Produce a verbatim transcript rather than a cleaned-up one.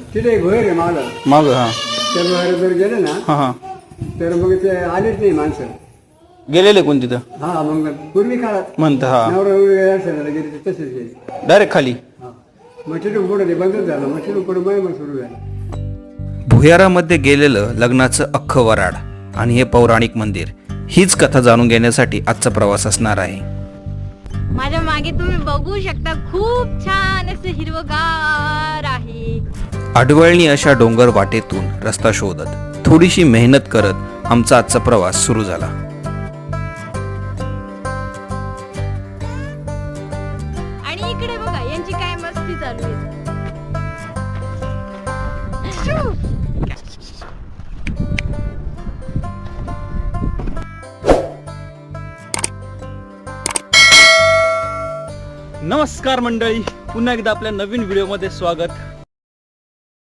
तिथे एक भोयर आहे माग माग हा त्या भोयर जर गेले ना हा हा तर मग ते आलेच नाही माणसं. गेलेले कोण तिथं हा मग पूर्वी काळात म्हणतं हा नवरा गेले गेले तसेच गेले. डायरेक्ट खाली. हा मग तिथून पुढे ते बंदच झालं. मग तिथून पुढे मग मग सुरू झालं. भुयारामध्ये गेलेलं लग्नाचं अख्खं वराड आणि हे पौराणिक मंदिर, हीच कथा जाणून घेण्यासाठी आजचा प्रवास असणार आहे. माझ्या मागे तुम्ही बघू शकता खूप छान असं हिरवगार आहे. आडवळणी अशा डोंगर वाटेतून रस्ता शोधत थोडीशी मेहनत करत आमचा आजचा प्रवास सुरू झाला. आणि इकडे बघा यांची काय मस्ती चालू आहे. नमस्कार मंडळी, पुन्हा एकदा आपल्या नवीन व्हिडिओमध्ये स्वागत.